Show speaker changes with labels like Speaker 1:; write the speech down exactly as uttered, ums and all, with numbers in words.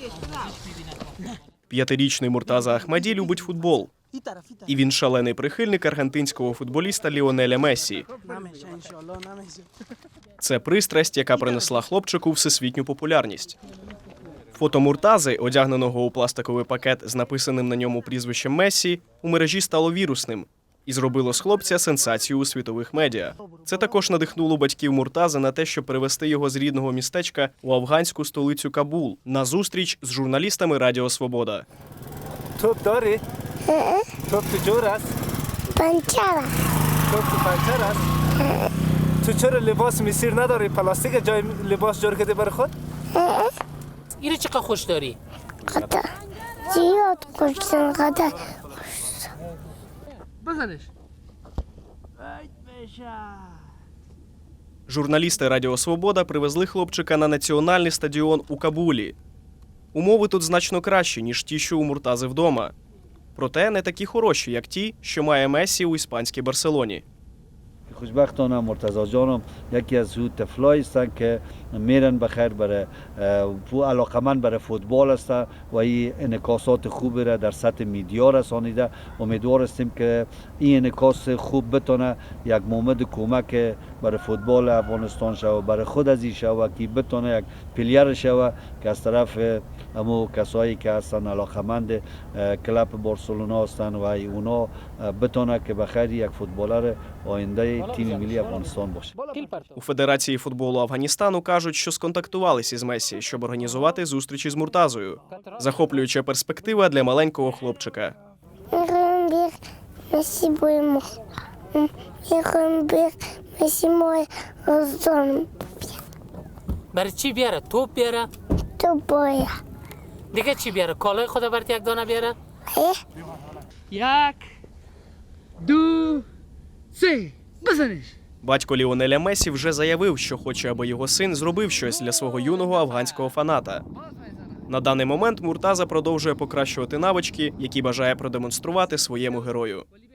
Speaker 1: П'ятирічний Муртаза Ахмаді любить футбол. І він шалений прихильник аргентинського футболіста Ліонеля Мессі. Це пристрасть, яка принесла хлопчику всесвітню популярність. Фото Муртази, одягненого у пластиковий пакет з написаним на ньому прізвищем Мессі, у мережі стало вірусним і зробило з хлопця сенсацію у світових медіа. Це також надихнуло батьків Муртази на те, щоб перевести його з рідного містечка у афганську столицю Кабул на зустріч з журналістами Радіо Свобода.
Speaker 2: توپ داری؟ توپ تو جور است؟
Speaker 3: پنچره
Speaker 2: توپ تو پنچر است؟ تو چرا لباس مسیر نداری؟ پلاستیک جای لباس جور کردی برای خود؟
Speaker 4: اینو چقدر خوش داری؟
Speaker 3: قطع زیاد کشتن قطع
Speaker 4: بزنش.
Speaker 1: Журналісти Радіо Свобода привезли хлопчика на національний стадіон у Кабулі. Умови тут значно кращі, ніж ті, що у Муртази вдома. Проте не такі хороші, як ті, що має Месі у іспанській Барселоні.
Speaker 5: خوشبختانه مرتضی جانم یکی از او طفلایی هستند که میرن بخیر برای علاقمند برای فوتبال هستند و این انعکاسات خوبی را در سطح میدیا رسانیده. امیدوار هستیم که این انعکاس خوب بتونه یک مومد کمک برای فوتبال افغانستان شود، برای خود از این شود که بتونه یک پلیر شود که از طرف همو کسایی که هستن علاقمند کلاب بارسلونا هستند و اونا بتونه که بخیر یک فوتبالر آینده تیم ملی افغانستان باشه.
Speaker 1: У Федерації футболу Афганістану кажуть, що сконтактувалися із Месі, щоб організувати зустрічі з Муртазою. Захоплююча перспектива для маленького хлопчика.
Speaker 3: میخوایم بیر مسی بایمو میخوایم بیر مسی مای روزدان
Speaker 4: برای چی بیاره؟ توپ بیاره؟
Speaker 3: تو باید
Speaker 4: دیگه چی بیاره؟ کالای خدا برات یک دانه بیاره؟
Speaker 6: یک دو سه بزنش.
Speaker 1: Батько Ліонеля Месі вже заявив, що хоче, аби його син зробив щось для свого юного афганського фаната. На даний момент Муртаза продовжує покращувати навички, які бажає продемонструвати своєму герою.